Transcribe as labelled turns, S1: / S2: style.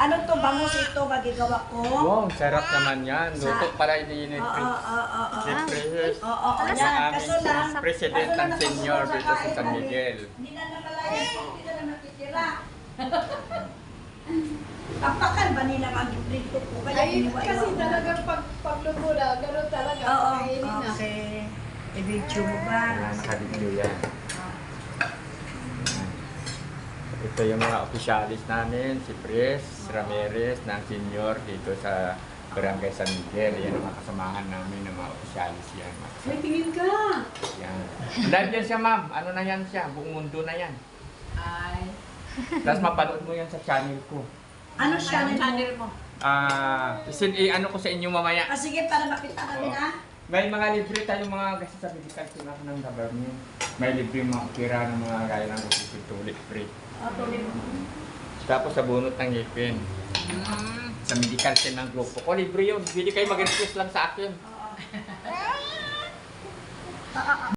S1: Ano to, bangus ito, magigawa ko?
S2: Wow, sarap naman yan. Luto pala ini ni Pres.
S1: Oo,
S2: Ang
S1: yan.
S2: aming
S1: Kaso lang,
S2: president
S1: kaso lang
S2: ng senior
S1: nakasunod
S2: dito sa
S1: kain
S2: San
S1: namin.
S2: Miguel.
S1: Hindi na namalayan ko, hindi na natitira. Tapakan ba nila mag-prito ko? Kaya
S3: Ay,
S1: iniwa-iwa
S3: kasi
S1: ko.
S3: talagang paglubo na, gano'n talaga.
S1: Oo,
S3: Kainin na.
S1: okay. I-video mo ba?
S2: Ayan, nakabidyo yan. Ito yung mga opisyalis namin, si Pres Ramirez ng senior dito sa Barangay San Miguel. Yan ang mga kasamahan namin ng mga opisyalis yan.
S3: May tingin ka!
S2: Yan. Live yan siya, ma'am. Ano na yan siya? Buong mundo na yan.
S3: Ay.
S2: Tapos mapanood mo yan sa channel ko.
S1: Ano channel mo?
S2: Ano ko sa inyo mamaya.
S1: Ah, sige, para makita namin ha.
S2: May mga libre tayong mga kasi sa medical clinic ng government. May libre mga kira ng mga gaya ng tulit free.
S1: Tuloy mo.
S2: Tapos sa bunot ng ngipin. Sa medical clinic ng grupo ko, libre yun. Hindi kayo mag-request lang sa akin.
S1: Oo.